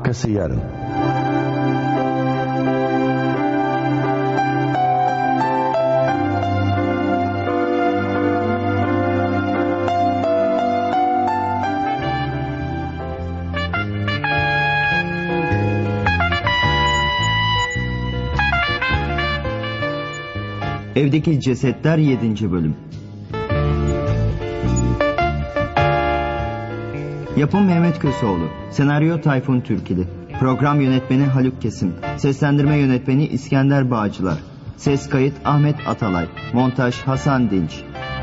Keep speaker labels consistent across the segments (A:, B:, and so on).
A: Arkası yarın.
B: Evdeki Cesetler 7. bölüm. Yapım Mehmet Köseoğlu. Senaryo Tayfun Türkili. Program yönetmeni Haluk Kesim. Seslendirme yönetmeni İskender Bağcılar. Ses kayıt Ahmet Atalay. Montaj Hasan Dinç.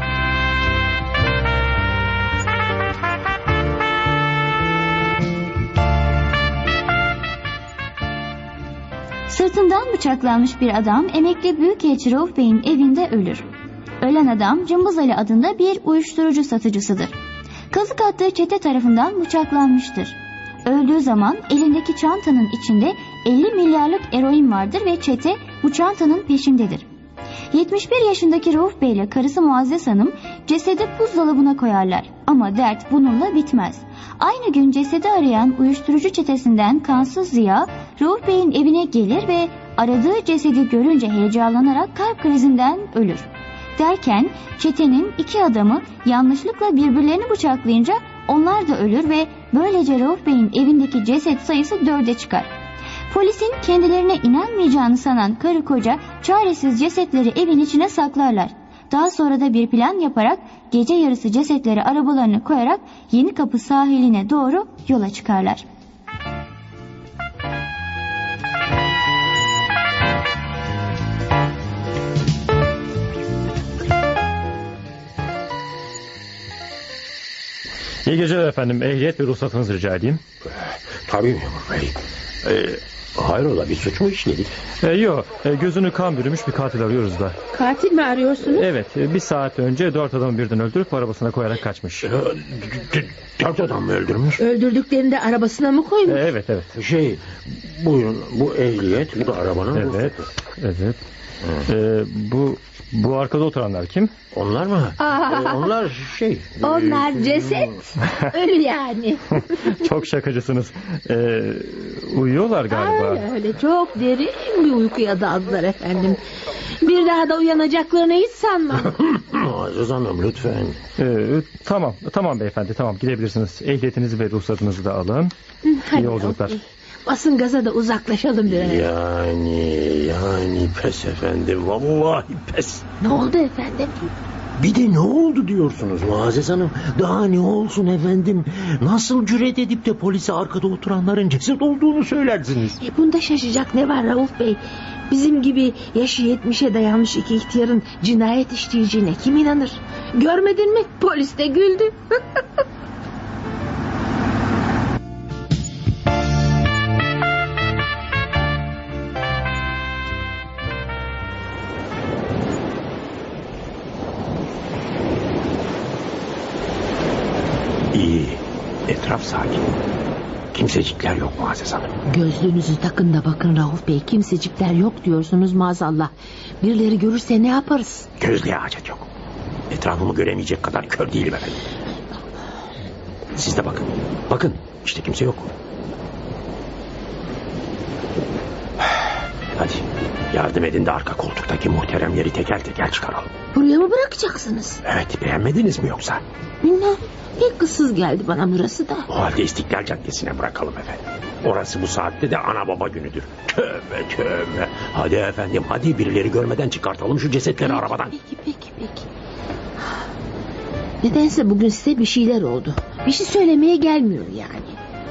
C: Sırtından bıçaklanmış bir adam emekli büyükelçi Rauf Bey'in evinde ölür. Ölen adam Cımbız Ali adında bir uyuşturucu satıcısıdır. Kazık attığı çete tarafından bıçaklanmıştır. Öldüğü zaman elindeki çantanın içinde 50 milyarlık eroin vardır ve çete bu çantanın peşindedir. 71 yaşındaki Rauf Bey ile karısı Muazzez Hanım cesedi buzdolabına koyarlar. Ama dert bununla bitmez. Aynı gün cesedi arayan uyuşturucu çetesinden Kansız Ziya, Rauf Bey'in evine gelir ve aradığı cesedi görünce heyecanlanarak kalp krizinden ölür. Derken çetenin 2 adamı yanlışlıkla birbirlerini bıçaklayınca onlar da ölür ve böylece Rauf Bey'in evindeki ceset sayısı 4'e çıkar. Polisin kendilerine inanmayacağını sanan karı koca çaresiz cesetleri evin içine saklarlar. Daha sonra da bir plan yaparak gece yarısı cesetleri arabalarına koyarak Yenikapı sahiline doğru yola çıkarlar.
D: İyi geceler efendim. Ehliyet ve ruhsatınızı rica edeyim.
E: Tabii memur bey. Hayrola, bir suç mu işledik?
D: Yok. Gözünü kan bürümüş bir katil arıyoruz da.
F: Katil mi arıyorsunuz?
D: Evet. Bir saat önce 4 adamı birden öldürüp arabasına koyarak kaçmış.
E: 4 adam mı öldürmüş?
F: Öldürdüklerini de arabasına mı koymuş?
D: Evet.
E: Buyurun, bu ehliyet, bu da arabanın
D: Evet.
E: ruhsatı.
D: Evet. Bu arkada oturanlar kim?
E: Onlar mı? Onlar
F: Onlar ceset. Ölü yani.
D: Çok şakacısınız. Uyuyorlar galiba.
F: Öyle çok derin bir uykuya daldılar efendim. Bir daha da uyanacaklarını hiç sanmam.
E: Aziz Hanım lütfen.
D: Tamam beyefendi, tamam, gidebilirsiniz. Ehliyetinizi ve ruhsatınızı da alın.
F: Hadi
D: İyi yolculuklar.
F: Basın gaza da uzaklaşalım biraz.
E: Yani pes efendim, vallahi pes.
F: Ne oldu efendim?
E: Bir de ne oldu diyorsunuz Muazzez Hanım? Daha ne olsun efendim? Nasıl cüret edip de polise arkada oturanların ceset olduğunu söylersiniz?
F: Bunda şaşacak ne var Rauf Bey? Bizim gibi yaşı 70'e dayanmış 2 ihtiyarın cinayet işleyeceğine kim inanır? Görmedin mi? Polis de güldü.
E: İyi. Etraf sakin. Kimsecikler yok Muazzez Hanım.
F: Gözlüğünüzü takın da bakın Rauf Bey. Kimsecikler yok diyorsunuz maazallah. Birileri görürse ne yaparız?
E: Gözlüğe hacet yok. Etrafımı göremeyecek kadar kör değilim efendim. Siz de bakın. Bakın işte kimse yok. Hadi yardım edin de arka koltuktaki muhteremleri teker teker çıkaralım.
F: Buraya mı bırakacaksınız?
E: Evet, beğenmediniz mi yoksa?
F: Bilmem. Pek kızsız geldi bana burası da.
E: O halde İstiklal Caddesi'ne bırakalım efendim. Orası bu saatte de ana baba günüdür. Tövbe. Hadi efendim, hadi birileri görmeden çıkartalım şu cesetleri arabadan.
F: Peki. Nedense bugün size bir şeyler oldu. Bir şey söylemeye gelmiyor yani.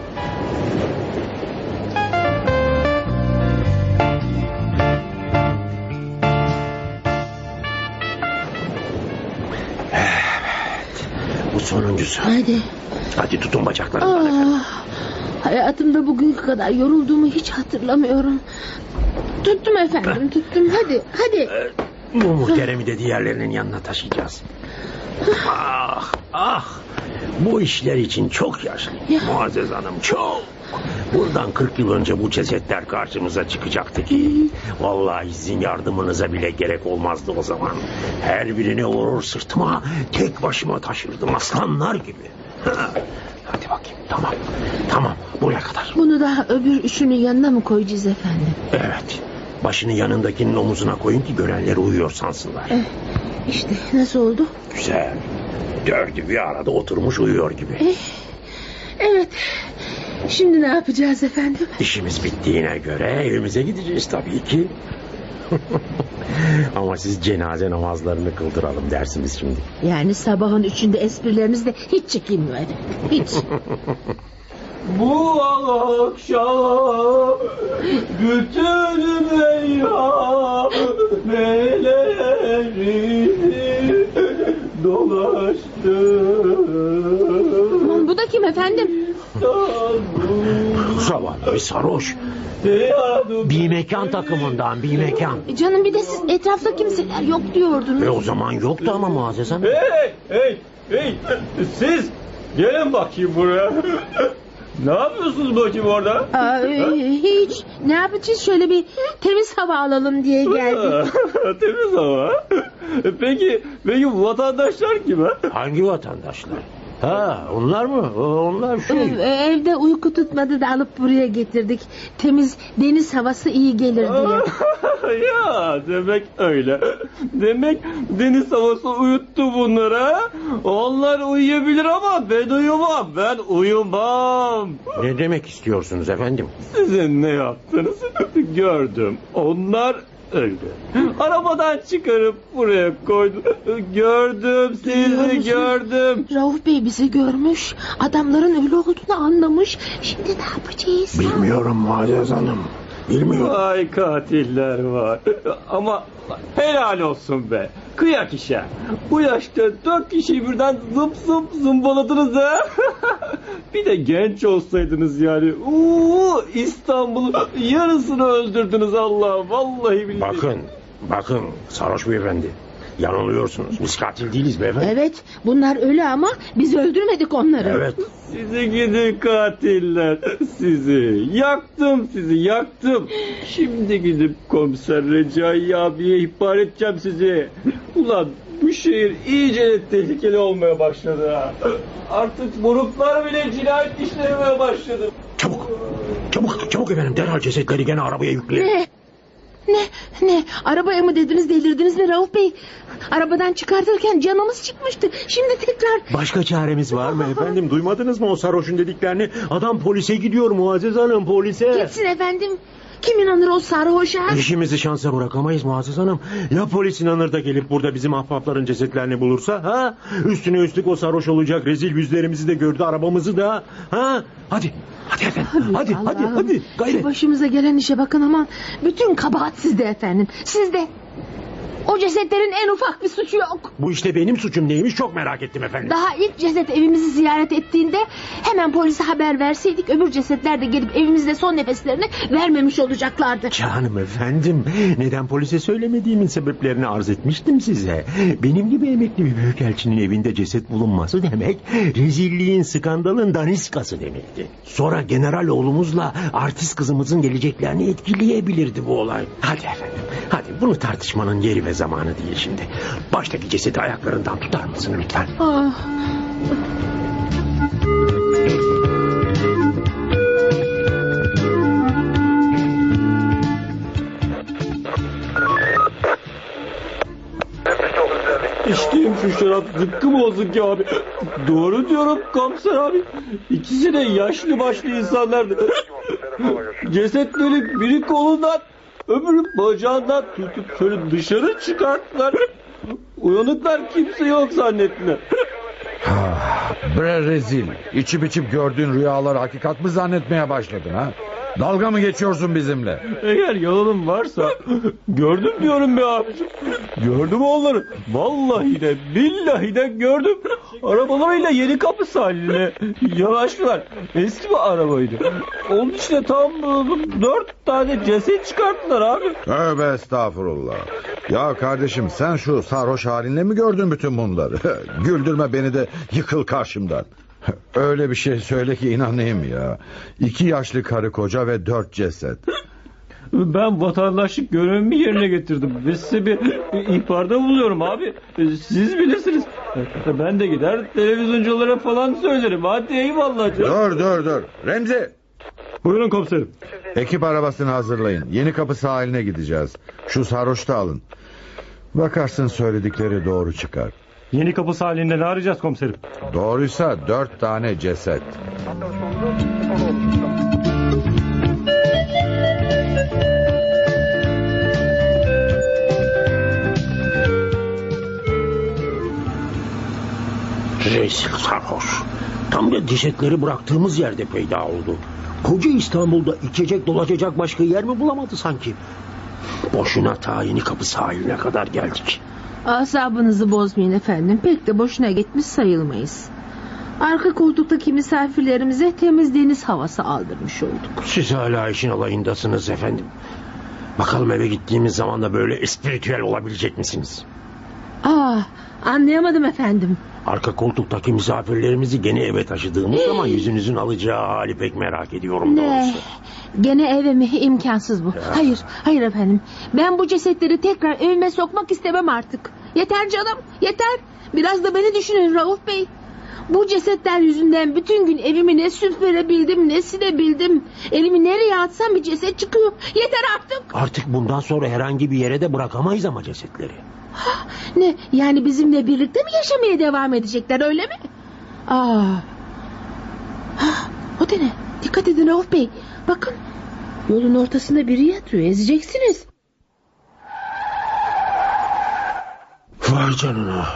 E: Bu sonuncusu. Hadi tutun bacaklarından efendim.
F: Hayatımda bugünkü kadar yorulduğumu hiç hatırlamıyorum. Tuttum efendim, tuttum. Hadi.
E: Bu muhteremi de diğerlerinin yanına taşıyacağız. Bu işler için çok yaşlıyım Muazzez Hanım, çok. Buradan 40 yıl önce bu cesetler karşımıza çıkacaktı ki vallahi sizin yardımınıza bile gerek olmazdı o zaman. Her birini vurur sırtıma, tek başıma taşırdım aslanlar gibi. Hadi bakayım, tamam. Tamam, buraya kadar.
F: Bunu da öbür üçünün yanına mı koyacağız efendim?
E: Evet. Başını yanındakinin omuzuna koyun ki görenleri uyuyor sansınlar.
F: İşte nasıl oldu?
E: Güzel. Dördü bir arada oturmuş uyuyor gibi.
F: Evet. Şimdi ne yapacağız efendim?
E: İşimiz bittiğine göre evimize gideceğiz tabii ki. Ama siz cenaze namazlarını kıldıralım dersiniz şimdi.
F: Yani sabahın üçünde esprileriniz de hiç çekinmiyor efendim. Hiç.
A: Bu akşam bütün meyhaneleri dolaştım.
F: Aman bu da kim efendim?
E: Zavallı bir sarhoş. Bir mekan takımından, bir mekan.
F: Canım bir de siz etrafta kimseler yok diyordunuz.
E: O zaman yoktu ama Muazzez Hanım.
A: Hey, siz gelin bakayım buraya. Ne yapıyorsunuz bakayım orada?
F: Hiç. Ne yapacağız? Şöyle bir temiz hava alalım diye geldik.
A: Temiz hava. Peki vatandaşlar kim ha?
E: Hangi vatandaşlar? Ha, onlar mı? Onlar
F: Evde uyku tutmadı da alıp buraya getirdik. Temiz deniz havası iyi gelir diye.
A: Ya demek öyle. Demek deniz havası uyuttu bunlara. Onlar uyuyabilir ama ben uyumam. Ben uyumam.
E: Ne demek istiyorsunuz efendim?
A: Sizin ne yaptınız gördüm. Onlar öldü. Arabadan çıkarıp buraya koydu. Gördüm sizi gördüm.
F: Rauf Bey bizi görmüş. Adamların ölü olduğunu anlamış. Şimdi ne yapacağız?
E: Bilmiyorum Muazzez Hanım. Bilmiyorum.
A: Vay katiller var. Ama helal olsun be. Kıyak işe. Bu yaşta 4 kişiyi birden zımbaladınız ha. Bir de genç olsaydınız yani. İstanbul'un yarısını öldürdünüz Allah. Vallahi billahi.
E: Bakın sarhoş beyefendi. Yanılıyorsunuz. Biz katil değiliz beyefendi.
F: Evet, bunlar ölü ama biz öldürmedik onları.
E: Evet.
A: Sizi gidin katiller. Sizi yaktım. Şimdi gidip komiser Recai abiye ihbar edeceğim sizi. Ulan bu şehir iyice tehlikeli olmaya başladı ha. Artık moruklar bile cinayet işlemeye başladı.
E: Çabuk efendim, derhal cesetleri gene arabaya yükleyin.
F: Ne? Arabaya mı dediniz, delirdiniz mi Rauf Bey? Arabadan çıkartırken canımız çıkmıştı. Şimdi tekrar...
E: Başka çaremiz var mı efendim? Duymadınız mı o sarhoşun dediklerini? Adam polise gidiyor Muazzez Hanım, polise.
F: Gitsin efendim. Kim inanır o sarhoşa?
E: İşimizi şansa bırakamayız Muazzez Hanım. Ya polis inanır da gelip burada bizim ahbapların cesetlerini bulursa? Ha? Üstüne üstlük o sarhoş olacak. Rezil yüzlerimizi de gördü, arabamızı da. Ha? Hadi efendim. Hadi. Gayret.
F: Şu başımıza gelen işe bakın aman. Bütün kabahat sizde efendim. Sizde. O cesetlerin en ufak bir suçu yok.
E: Bu işte benim suçum neymiş çok merak ettim efendim.
F: Daha ilk ceset evimizi ziyaret ettiğinde hemen polise haber verseydik öbür cesetler de gelip evimizde son nefeslerini vermemiş olacaklardı.
E: Canım efendim, neden polise söylemediğimin sebeplerini arz etmiştim size. Benim gibi emekli bir büyükelçinin evinde ceset bulunması demek rezilliğin, skandalın daniskası demekti. Sonra general oğlumuzla artist kızımızın geleceklerini etkileyebilirdi bu olay. Hadi efendim, hadi bunu tartışmanın yeri ve zamanı değil şimdi. Baştaki cesedi ayaklarından tutar mısın lütfen?
A: İçtiğim şu şarap zıkkı bozuk ya abi. Doğru diyorum komiser abi. İkisi de yaşlı başlı insanlardı. Cesetleri biri kolundan öbürü bacağından tutup şöyle dışarı çıkarttılar. Uyanıklar kimse yok zannettiler.
G: Bre rezil. İçip içip gördüğün rüyaları hakikat mı zannetmeye başladın ha? Dalga mı geçiyorsun bizimle?
A: Eğer yalanım varsa gördüm diyorum be abicim. Gördüm onları. Vallahi de billahi de gördüm. Arabalarıyla Yenikapı sahiline yanaştılar. Eski bir arabaydı. Onun içine tam 4 tane ceset çıkarttılar abi.
G: Tövbe estağfurullah. Ya kardeşim sen şu sarhoş halinle mi gördün bütün bunları? Güldürme beni de yıkıl karşımdan. Öyle bir şey söyle ki inanayım ya. 2 yaşlı karı koca ve 4 ceset.
A: Ben vatandaşlık görevimi yerine getirdim ve size bir ihbarda bulunuyorum abi. Siz bilirsiniz. Ben de gider televizyonculara falan söylerim. Hadi eyvallah canım.
G: Dur. Remzi.
D: Buyurun komiserim.
G: Ekip arabasını hazırlayın. Yeni Kapı sahiline gideceğiz. Şu sarhoşu da alın. Bakarsın söyledikleri doğru çıkar.
D: Yeni Kapı sahilinde ne arayacağız komiserim?
G: Doğruysa 4 tane ceset.
E: Rezil sarhoş. Tam da cesetleri bıraktığımız yerde peyda oldu. Koca İstanbul'da içecek dolaşacak başka yer mi bulamadı sanki? Boşuna ta Yeni Kapı sahiline kadar geldik.
F: Asabınızı bozmayın efendim. Pek de boşuna gitmiş sayılmayız. Arka koltuktaki misafirlerimize temiz deniz havası aldırmış olduk.
E: Siz hala işin alayındasınız efendim. Bakalım eve gittiğimiz zaman da böyle espiritüel olabilecek misiniz?
F: Anlayamadım efendim.
E: Arka koltuktaki misafirlerimizi gene eve taşıdığımız zaman yüzünüzün alacağı hali pek merak ediyorum doğrusu.
F: Gene eve mi? İmkansız bu. Hayır efendim. Ben bu cesetleri tekrar evime sokmak istemem artık. Yeter canım, yeter. Biraz da beni düşünün Rauf Bey. Bu cesetler yüzünden bütün gün evimi ne süpürebildim ne silebildim. Elimi nereye atsam bir ceset çıkıyor. Yeter artık.
E: Artık bundan sonra herhangi bir yere de bırakamayız ama cesetleri.
F: Ne yani bizimle birlikte mi yaşamaya devam edecekler öyle mi? O da ne? Dikkat edin Rauf Bey. Bakın yolun ortasında biri yatıyor, ezeceksiniz.
E: Vay canına.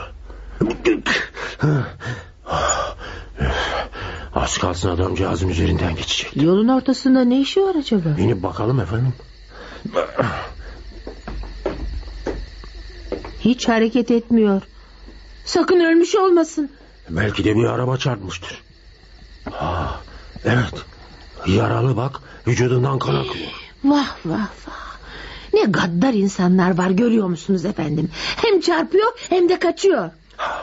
E: Az kalsın adamcağızın üzerinden geçecek.
F: Yolun ortasında ne işi var acaba?
E: İnip bakalım efendim.
F: Hiç hareket etmiyor. Sakın ölmüş olmasın.
E: Belki de bir araba çarpmıştır. Evet. Yaralı bak. Vücudundan kan akıyor.
F: Vah. Ne gaddar insanlar var görüyor musunuz efendim? Hem çarpıyor hem de kaçıyor.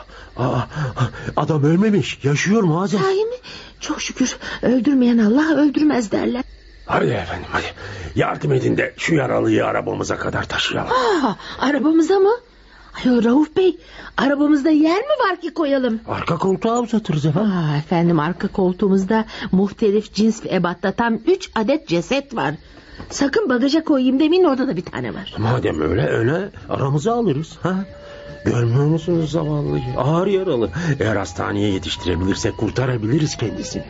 E: Adam ölmemiş. Yaşıyor muazzam.
F: Sahi mi? Çok şükür. Öldürmeyen Allah öldürmez derler.
E: Hadi efendim hadi. Yardım edin de şu yaralıyı arabamıza kadar taşıyalım.
F: Arabamıza mı? Ay Rauf Bey, arabamızda yer mi var ki koyalım?
E: Arka koltuğa uzatırız efendim.
F: Efendim arka koltuğumuzda muhtelif cins ve ebatta tam 3 adet ceset var. Sakın bagaja koyayım demeyin, orada da bir tane var.
E: Madem öyle aramıza alırız. Görmüyor musunuz zavallıyı? Ağır yaralı. Eğer hastaneye yetiştirebilirsek kurtarabiliriz kendisini.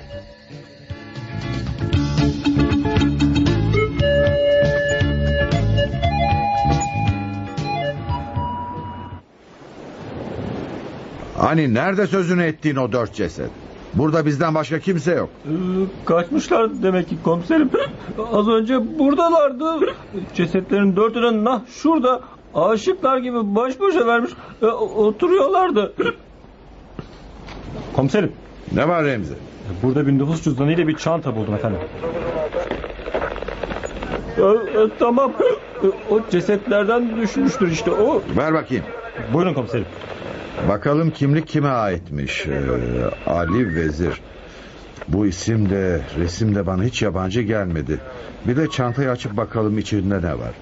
G: Hani nerede sözünü ettiğin o 4 ceset? Burada bizden başka kimse yok.
A: Kaçmışlar demek ki komiserim. Az önce buradalardı. Cesetlerin 4'ünü şurada aşıklar gibi baş başa vermiş oturuyorlardı.
D: Komiserim.
G: Ne var Remzi?
D: Burada bir nüfus cüzdanı ile bir çanta buldum efendim.
A: Tamam. O cesetlerden düşmüştür işte o.
G: Ver bakayım.
D: Buyurun komiserim.
G: Bakalım kimlik kime aitmiş? Ali Vezir. Bu isim de resim de bana hiç yabancı gelmedi. Bir de çantayı açıp bakalım içinde ne var.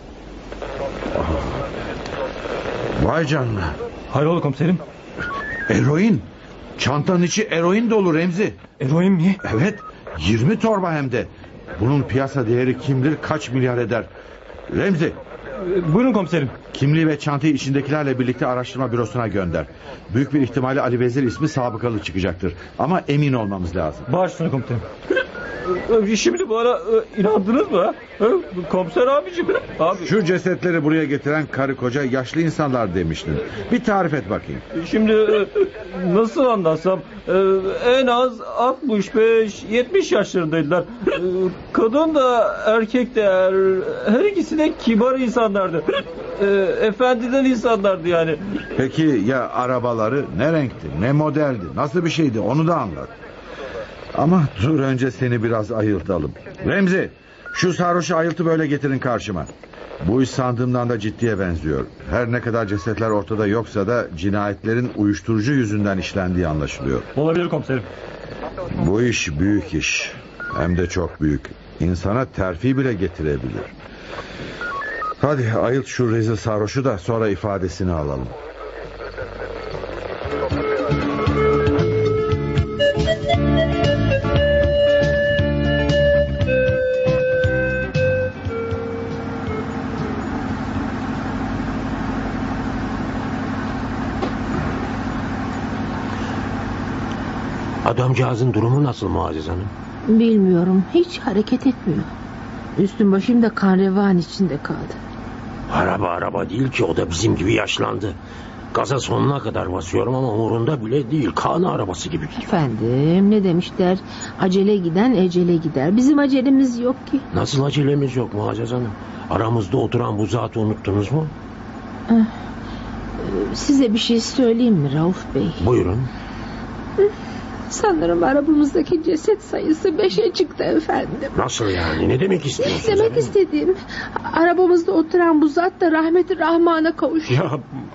G: Vay canına.
D: Hayrola komiserim?
G: Eroin. Çantanın içi eroin dolu Remzi.
D: Eroin mi?
G: Evet, 20 torba hem de. Bunun piyasa değeri kim bilir kaç milyar eder. Remzi,
D: Buyurun komiserim.
G: kimliği ve çantayı içindekilerle birlikte araştırma bürosuna gönder. Büyük bir ihtimalle Ali Vezir ismi sabıkalı çıkacaktır. Ama emin olmamız lazım.
D: Baş üstüne komiserim.
A: Şimdi bana inandınız mı? Komiser abicim. Abi.
G: Şu cesetleri buraya getiren karı koca yaşlı insanlar demiştin. Bir tarif et bakayım.
A: Şimdi nasıl anlatsam en az 65-70 yaşlarındaydılar. Kadın da erkek de her ikisi de kibar insanlardı. Efendiden insanlardı yani.
G: Peki ya arabaları ne renkti, ne modeldi, nasıl bir şeydi onu da anlat. Ama dur önce seni biraz ayıltalım. Remzi, şu sarhoşu ayıltıp böyle getirin karşıma. Bu iş sandığımdan da ciddiye benziyor. Her ne kadar cesetler ortada yoksa da cinayetlerin uyuşturucu yüzünden işlendiği anlaşılıyor.
D: Olabilir komiserim.
G: Bu iş büyük iş. Hem de çok büyük. İnsana terfi bile getirebilir. Hadi ayılt şu rezil sarhoşu da sonra ifadesini alalım.
E: Adamcağızın durumu nasıl Muazzez Hanım?
F: Bilmiyorum, hiç hareket etmiyor. Üstüm başım da kan revan içinde kaldı.
E: Araba değil ki, o da bizim gibi yaşlandı. Gaza sonuna kadar basıyorum ama umurunda bile değil. Kaan arabası gibi gidiyor.
F: Efendim, ne demişler? Acele giden ecele gider. Bizim acelemiz yok ki.
E: Nasıl acelemiz yok Muazzez Hanım? Aramızda oturan bu zatı unuttunuz mu?
F: Size bir şey söyleyeyim mi Rauf Bey?
E: Buyurun.
F: Sanırım arabamızdaki ceset sayısı 5'e çıktı efendim.
E: Nasıl yani? Ne demek istiyorsunuz?
F: Demek
E: efendim?
F: istediğim, arabamızda oturan bu zat da rahmeti rahmana kavuştu.
E: Ya...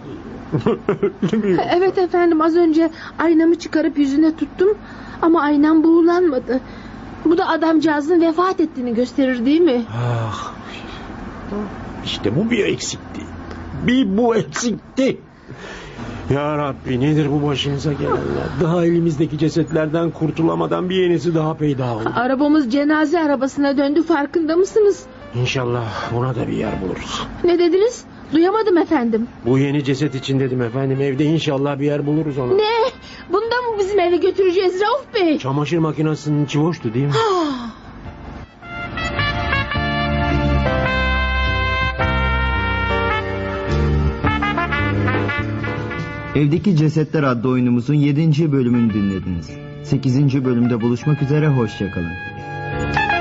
F: Evet efendim, az önce aynamı çıkarıp yüzüne tuttum ama aynam buğulanmadı. Bu da adamcağızın vefat ettiğini gösterir değil mi?
E: Ah, işte bu bir eksikti. Bir bu eksikti. Ya Rabbi, nedir bu başımıza gelenler? Daha elimizdeki cesetlerden kurtulamadan bir yenisi daha peyda oldu.
F: Arabamız cenaze arabasına döndü, farkında mısınız?
E: İnşallah buna da bir yer buluruz.
F: Ne dediniz? Duyamadım efendim.
E: Bu yeni ceset için dedim efendim, evde inşallah bir yer buluruz ona.
F: Ne? Bunu da mı bizim eve götüreceğiz Rauf Bey?
E: Çamaşır makinesinin içi boştu değil mi?
B: Evdeki Cesetler adlı oyunumuzun 7. bölümünü dinlediniz. 8. bölümde buluşmak üzere, hoşça kalın.